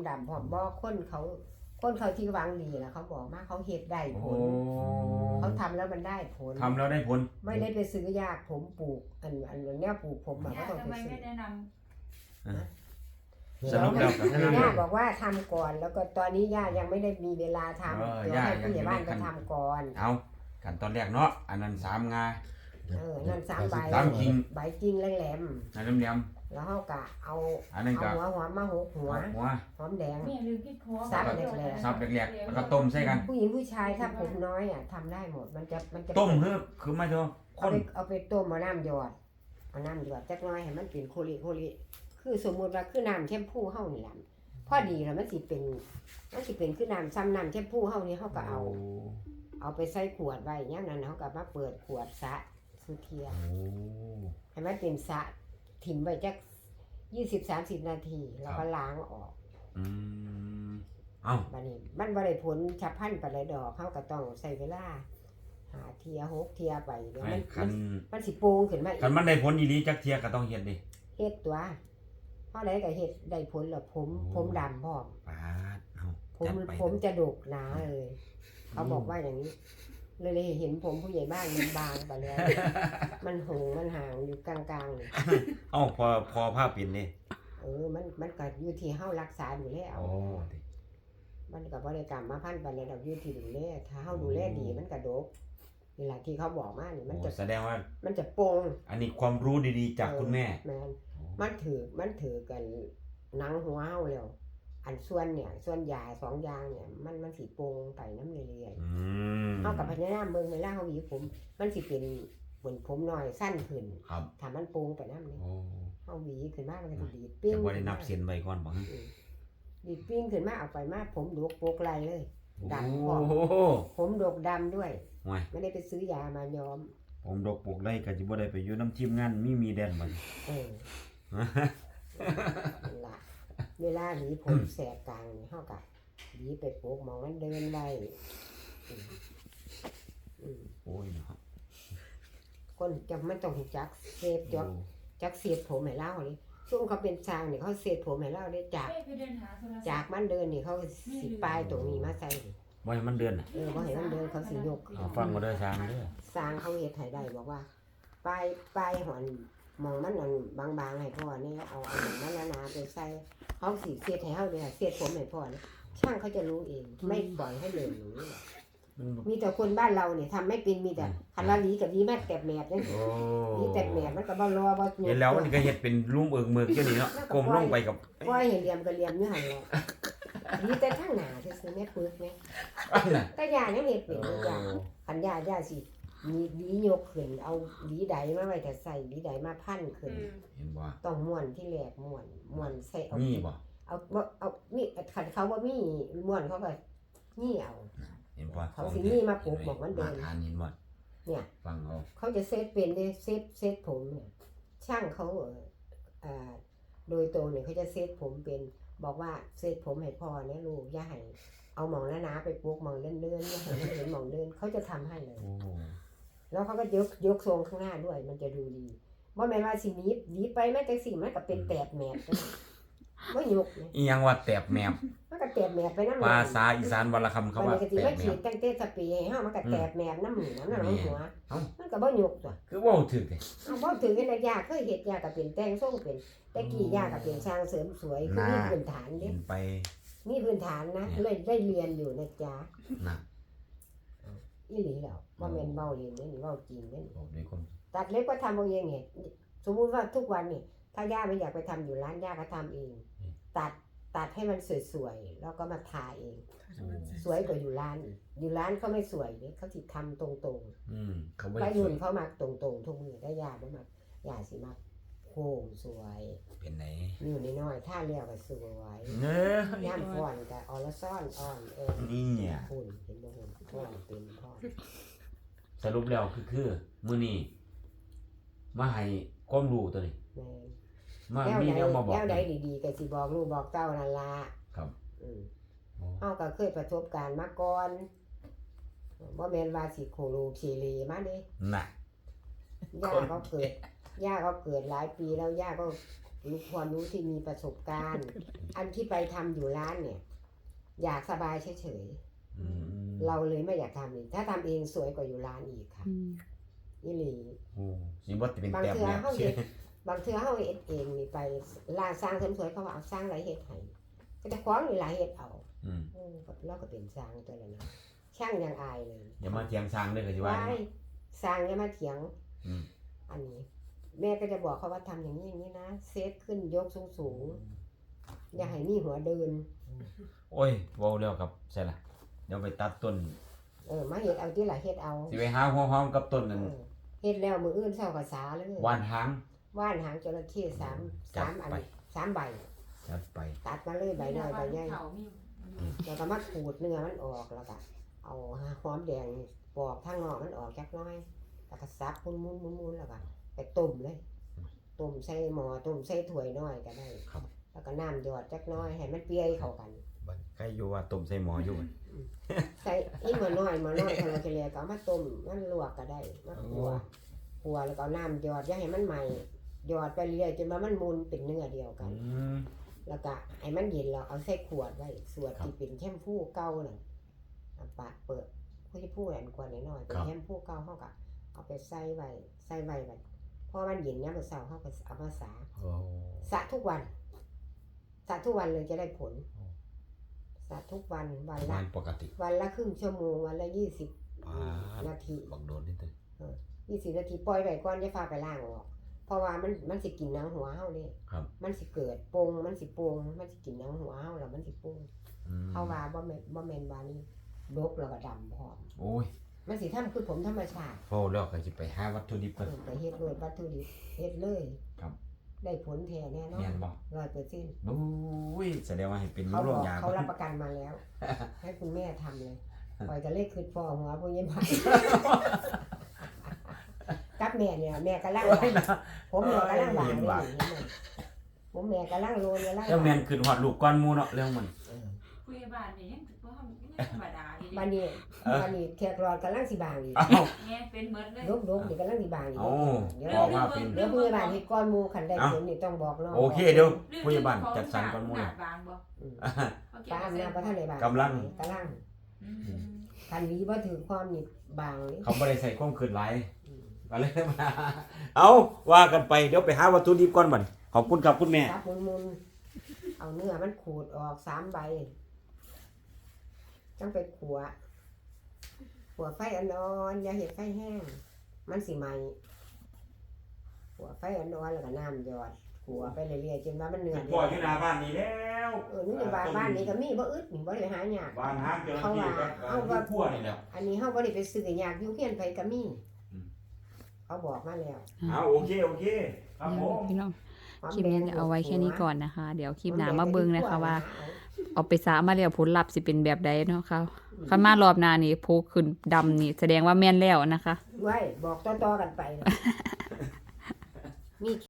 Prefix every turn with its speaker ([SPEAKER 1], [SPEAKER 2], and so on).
[SPEAKER 1] ดำพร้อมบ่คนเขาที่หวังดีล่ะเขาบอกมาเขาเฮ็ดได้ผลเขาทำแล้วมันได้ผล
[SPEAKER 2] ทำแล้วได้ผล
[SPEAKER 1] ไม่ได้ไปซื้อยาผมปลูกอันแนวปลูกผมก็ต้องไปซื้อ
[SPEAKER 3] แนะน
[SPEAKER 2] สรุปแล้วก็คือย่
[SPEAKER 1] าบอกว่าทำก่อนแล้วก็ตอนนี้ย่ายังไม่ได้มีเวลาทำเดี๋ยวให้ผู้ใหญ่บ้านไปทำก่อน
[SPEAKER 2] เอาขั้นตอนแรกเนาะอันนั้น3 งา
[SPEAKER 1] นั่น3 ใบ
[SPEAKER 2] กิ่ง
[SPEAKER 1] ใบกิ่งแหลม
[SPEAKER 2] อันแหลม
[SPEAKER 1] ๆแล้วเฮาก็เอาหัวมาหกหัวหอมแดงซับแหลก
[SPEAKER 2] ซับแหลกๆแล้วก็ต้มใส่กัน
[SPEAKER 1] ผู้หญิงผู้ชายถ้าผมน้อยทำได้หมดมันจะ
[SPEAKER 2] ต้มคือไม่เท่าคน
[SPEAKER 1] เอาไปต้มเอาน้ำหยอดจักหน่อยให้มันเป็นโคลิคือสมมุติว่าคือน้ำแชมพูเฮานี่ล่ะพอดีแล้วมันสิเป็นคือน้ำซ้ำน้ำแชมพูเฮานี่เฮาก็เอาไปใส่ขวดไว้อย่างนั้นเฮาก็มาเปิดขวดสะสุเทียให้มันเป็นสะถิ่มไว้จัก20-30 นาทีแล้วก็ล้างออกบัดนี้มันบ่ได้ผลฉับพลันปานใดดอกเฮาก็ต้องใช้เวลา5 เที่ย 6 เที่ยไปเดี๋ยวมันสิโป่งขึ้นมาอีก
[SPEAKER 2] คันมันได้ผลอีหลีจักเที่ยก็ต้องเฮ็ดดิ
[SPEAKER 1] เฮ็ดตัวเฮาได้ก็เฮ็ดได้ผลแล้วผมดำพร้อม
[SPEAKER 2] ปาดเอา
[SPEAKER 1] ผมจะดกหนาเลยเขาบอกว่าอย่างนี้เลยเห็นผมผู้ใหญ่บ้านมันบางไปแล้วมันหงมันห่างอยู่กลางๆนี่
[SPEAKER 2] เอ้าพอภาพเป็นนี่
[SPEAKER 1] มันก็อยู่ที่เฮารักษาอยู่แล้วมันก็บ่ได้กรรมมาพันไปแล้วอยู่ที่ดูแลถ้าเฮาดูแลดีมันก็ดกนี่ล่ะที่เขาบอกมานี่มันจะ
[SPEAKER 2] แสดงว่า
[SPEAKER 1] มันจะโป่ง
[SPEAKER 2] อันนี้ความรู้ดีๆจากคุณแม่
[SPEAKER 1] แม่นมันถือกันหนังหัวเฮาแล้วอันส่วนยา2 อย่างเนี่ยมันสิโป่งไปน้ำเรื่อยๆเฮากับพญานาคเบิ่งเวลาเฮาหวีผมมันสิเป็นเหมือนผมน้อยสั้นขึ้นถ้ามันโป่งไปนำนี่เฮาหวีขึ้นมามันก็สิดีดปิ้ง
[SPEAKER 2] บ่ได้นับเส้นไว้ก่อนบ่
[SPEAKER 1] ดีดปิ้งขึ้นมาเอาไปมาผมดกโปกไหลเลยดำพอผมดกดำด้วยไม่ได้ไปซื้อยามาย้อม
[SPEAKER 2] ผมดกปลูกไรก็สิบ่ได้ไปอยู่น้ำทีมงานมีแดนมัน
[SPEAKER 1] เวลาหวีผมแสกกลางนี่เฮาก็หวีไปปลูกมองมันเดินไว้
[SPEAKER 2] โอ้ยเนาะ
[SPEAKER 1] คนจะมันต้องจักเซฟจักเสียบผมให้เล่านี่ช่วงเขาเป็นช้างนี่เขาเสียบผมให้เล่าได้จากมันเดินนี่เขาสิปลายตรงนี้มาใส่
[SPEAKER 2] บ่ให้มันเดินน่ะ
[SPEAKER 1] บ่ให้มันเดินเขาสิยก
[SPEAKER 2] ฟังบ่ได้ช้างเด้อ
[SPEAKER 1] ช้างเขาเฮ็ดให้ได้บอกว่าปลายหอนมองมันอันบางๆให้พ่อนี่เอามันหนาๆไปใส่เขาสิเสียดให้เฮาเด้อเสียดผมให้พ่อนี่ช่างเขาจะรู้เองไม่ปล่อยให้เดินอย่างนี้มีแต่คนบ้านเราเนี่ยทำไม่เป็นมีแต่คันละลีกับลีแม่แตบแหมดนี่ลีแตบแหมดมันก็บ่รอบ่
[SPEAKER 2] เห็นแล้วมันก็เฮ็ดเป็นลุ่มเอิงเมือกจังนี้เนาะก้มลงไปกับ
[SPEAKER 1] ปล่อยให้เหลี่ยมก็เหลี่ยมอยู่หั่นแหละลีแต่ทางหน้าซื่อๆแม่ปึกแม่แต่ย่ายังเฮ็ดเป็นอยู่อย่างคันย่าสิมีดียกขึ้นเอาดีใดมาไว้แต่ใส่ดีใดมาพันขึ้น
[SPEAKER 2] เห็นบ่
[SPEAKER 1] ต้องม้วนที่แรกม้วนใส่เอา
[SPEAKER 2] มีบ่
[SPEAKER 1] เอามีคันเขาบ่มีม้วนเขาก็นี่เอา
[SPEAKER 2] เห็นบ่
[SPEAKER 1] เขาสินี่มาปลูกบอกมันเดิน
[SPEAKER 2] ทานเห็นบ่
[SPEAKER 1] เนี่ย
[SPEAKER 2] ฟัง
[SPEAKER 1] เขาจะเซตเป็นได้เซตผมเนี่ยช่างเขาโดยตรงเนี่ยเขาจะเซตผมเป็นบอกว่าเซตผมให้พ่อเนี่ยลูกอย่าให้เอาหมองหนาๆไปปลูกหมองเลื่อนอย่าให้มันเห็นหมองเลื่อนเขาจะทำให้เลยแล้วเขาก็ยกทรงข้างหน้าด้วยมันจะดูดีว่าแม่ว่าสิหนีไปแม้แต่สิ่งมันก็เป็นแตบแหมบบ่ยก
[SPEAKER 2] อีหยังว่าแตบแหมบ
[SPEAKER 1] มันก็แตบแหมบไปนำ
[SPEAKER 2] ภาษาอีสานวรรณคำเขาว่าแตบแหมบ
[SPEAKER 1] มันตั้งแต่สปีให้เฮามันก็แตบแหมบน้ำหัวมันก็บ่ยกตัว
[SPEAKER 2] คือเว้าถึกเด้
[SPEAKER 1] บ่ถึงกันยาเคยเฮ็ดยาก็เป็นแต่งทรงเป็นแต่กี้ยาก็เป็นช่างเสริมสวยคือมีพื้นฐานเด้มีพื้นฐานนะเลยได้เรียนอยู่นะจ๊ะ
[SPEAKER 2] นะ
[SPEAKER 1] อีหลีแล้วบ่แม่นเว้าเล่นเด้นี่เว้าจริงเด้ตัดเล็บก็ทำเอาเองเนี่ยสมมุติว่าทุกวันนี่ถ้าย่าไม่อยากไปทำอยู่ร้านย่าก็ทำเองตัดให้มันสวยๆแล้วก็มาทาเองสวยกว่าอยู่ร้านอยู่ร้านเขาไม่สวยเนี่ยเขาสิทำตรงๆไปยุ่นเขามาตรงๆทุกมือได้ย่าบ่มาย่าสิมาโค้งสวย
[SPEAKER 2] เป็นไหน
[SPEAKER 1] อยู่น้อยๆท่าเลี้ยวก็สวยย่ามฟ้อนก็ออละซ่อนอ่อน
[SPEAKER 2] นี่เนี่ย
[SPEAKER 1] คุณเห็นบ่คุณฟ้อนเป็นพ่อ
[SPEAKER 2] สรุปแล้วคือมื้อนี้มาให้ความรู้ตัวนี้มามีแนวมาบอก
[SPEAKER 1] แล้วใดดีๆก็สิบอกลูกบอกเต้านั่นล่ะ
[SPEAKER 2] ครับ
[SPEAKER 1] เฮาก็เคยประสบการณ์มาก่อนบ่แม่นว่าสิโคโลคีเลมาเด้
[SPEAKER 2] น่ะ
[SPEAKER 1] ย่าก็เกิดหลายปีแล้วย่าก็รู้ความรู้ที่มีประสบการณ์ อันที่ไปทำอยู่ร้านเนี่ย อยากสบายเฉยๆเราเลยไม่อยากทำเองถ้าทำเองสวยกว่าอยู่ร้านอีกค่ะนี่หลี
[SPEAKER 2] โอ้สิบ่เป็น
[SPEAKER 1] บาง
[SPEAKER 2] แต้ม
[SPEAKER 1] เทื่อ
[SPEAKER 2] แล้ว
[SPEAKER 1] เฮาเฮ็ดบางเทื่อเฮาเฮ็ดเองนี่ไปร้านสร้างเสริมสวยเขาว่าเอาสร้างหลายเฮ็ดให้ก็จะของนี่หลายเฮ็ดเอาเราก็เป็นสร้างตัวละเนาะช่างยังอายเลย
[SPEAKER 2] อย่ามาเถียงสร้างเด้อก็สิว่า
[SPEAKER 1] ว้ายสร้างอย่ามาเถียง
[SPEAKER 2] อืม
[SPEAKER 1] อันนี้ แม่ก็จะบอกเขาว่าทำอย่างนี้อย่างนี้นะเซตขึ้นยกสูงๆอย่าให้มีหัวเดิน
[SPEAKER 2] โอ้ยเว้าแล้วครับใช่ล่ะเดี๋ยวไปตัดต้น
[SPEAKER 1] มาเฮ็ดเอาที่ละเฮ็ดเอา
[SPEAKER 2] สิไปหาหัวหอมกับต้นนั่น
[SPEAKER 1] เฮ็ดแล้วมื้ออื่นเช้าก็สาเลย
[SPEAKER 2] ว่านหาง
[SPEAKER 1] ว่านหางจระเข้3 อัน3ใบ
[SPEAKER 2] จัดไป
[SPEAKER 1] ตัดมาเลยใบน้อยใบใหญ่
[SPEAKER 3] เขามี
[SPEAKER 1] แล้วก็มาขูดเนื้อมันออกแล้วก็เอาหอมแดงปอกทางนอกมันออกจักหน้อยแล้วก็ซับมุนๆแล้วก็ไปต้มเลยต้มใส่หม้อต้มใส่ถ้วยน้อยก็ได้
[SPEAKER 2] ครับ
[SPEAKER 1] แล้วก็น้ำหยอดจักหน้อยให้มันเปื่อยเข้ากัน
[SPEAKER 2] บัดใกล้อยู่ว่าต้มใส่หม้ออยู่
[SPEAKER 1] ใส่อีหม้อน้อยคนละเกลียก็เอามาต้มมันลวกก็ได้มาคั่วแล้วก็เอาน้ำหยอดอย่าให้มันใหม่หยอดไปเรื่อยจนว่ามันมุนเป็นเนื้อเดียวกัน แล้วก็ให้มันเย็นเราเอาใส่ขวดไว้สวดที่เป็นแชมพูเก่าน่ะปะเปิดผู้ที่พูดอันกว่าน้อยๆเป็นแชมพูเก่าเฮาก็เอาไปใส่ไว้บัดพอมันเย็นยามมื้อเช้าเฮาก็เอามาสระ
[SPEAKER 2] โอ้
[SPEAKER 1] สระทุกวันสระทุกวันเลยจะได้ผลสระทุกวันวันละ
[SPEAKER 2] งานปกติ
[SPEAKER 1] วันละครึ่งชั่วโมงวันละ20
[SPEAKER 2] ปาด
[SPEAKER 1] นาที
[SPEAKER 2] บักโดดนิดนึง
[SPEAKER 1] 20 นาทีปล่อยไว้ก่อนอย่าพาไปล้างออกเพราะว่ามันสิกินหนังหัวเฮาเด้
[SPEAKER 2] ครับ
[SPEAKER 1] มันสิเกิดปงมันสิปงมันสิกินหนังหัวเฮาแล้วมันสิปงเฮาว่าบ่แม่นว่านี่ดกแล้วก็ดำพร้อม
[SPEAKER 2] โอ้ย
[SPEAKER 1] มันสิทำคือผมธรรมชาติ
[SPEAKER 2] พอแล้วก็สิไปหาวัตถุดิบกัน
[SPEAKER 1] ไปเฮ็ดโดยวัตถุดิบเฮ็ดเลย
[SPEAKER 2] ครับ
[SPEAKER 1] ได้ผลแท้แน่นอน
[SPEAKER 2] แม่นบ่
[SPEAKER 1] 100%
[SPEAKER 2] โอ้ยแสดงว่าให้เป็น
[SPEAKER 1] เขา
[SPEAKER 2] โร
[SPEAKER 1] บ
[SPEAKER 2] ค
[SPEAKER 1] อก
[SPEAKER 2] ยา
[SPEAKER 1] เขารับประกันมาแล้ว ให้คุณแม่ทำเลยปล่อยจะเลขคืนฟอหัวพวกนี้มากับแม่เนี่ยแม่กำลังผมแม่กำลังบางเลยผมแม่กำลังโรยกำลัง
[SPEAKER 2] แล้วแม่นขึ้นฮอดลูกก่อนหมู่เนาะเรื่องมัน
[SPEAKER 3] คุยบ้านนี่ยังถือว่าธรรมดาดี
[SPEAKER 1] บัดนี้แขกรอดกำลังสิบางอีก
[SPEAKER 2] เอ้า
[SPEAKER 3] แง่เป็นเมิดเลย
[SPEAKER 1] ลบนี่กำลังสิบางอีก
[SPEAKER 2] เอ้า
[SPEAKER 1] เดี๋ยว
[SPEAKER 2] บอกว่าเป็น
[SPEAKER 1] เดี๋ยวผู้ใหญ่บ้านเฮ็ดก้อนหมู่คันได้ผลนี่ต้องบอกน้อง
[SPEAKER 2] โอเคเดี๋ยวผู้ใหญ่บ้านจัดสรรก่อนหมู่
[SPEAKER 3] ห
[SPEAKER 2] น่ะ
[SPEAKER 3] บางบ่
[SPEAKER 1] ป้าอำนาจบ่ทันได้บาง
[SPEAKER 2] กำลัง
[SPEAKER 1] คันนี้บ่ถือความนี่บางนี่
[SPEAKER 2] เขาบ่ได้ใส่ความคืนหลายก็เลยมาเอาว่ากันไปเดี๋ยวไปหาวัตถุดิบก่อนบัดขอบคุณครับคุณแม่
[SPEAKER 1] ครับมุนๆเอาเนื้อมันขูดออก3ใบจังไปขัวไฟอ่อนๆอย่าเฮ็ดไฟแห้งมันสิไหม้ขัวไฟอ่อนๆแล้วก็น้ำหยอดขัวไปเรื่อยๆจนว่ามันเนื้อ
[SPEAKER 2] พ่ออยู่หน้าบ้านนี่แล้ว
[SPEAKER 1] นี่บ้านนี้ก็มีบ่อึดนี่บ่ได้หายาก
[SPEAKER 2] บ้านห้างเจอที่ก็เอาพัวนี่แหละ
[SPEAKER 1] อันนี้เฮาบ่ได้ไปซื้อยากอยู่เฮียนไผก็มีเขาบอกมาแล้ว
[SPEAKER 2] เอาโอเคครับผม
[SPEAKER 4] พี่น้องคลิปนี้เอาไว้แค่นี้ก่อนนะคะ เดี๋ยวคลิปหน้ามาเบิ่งนะคะว่า เอาไปสามาแล้วผลลัพธ์สิเป็นแบบใดเนาะค่ะคันมารอบหน้านี่โพขึ้นดำนี่แสดงว่าแม่นแล้วนะคะ
[SPEAKER 1] ไว้บอกต่อๆกันไปมี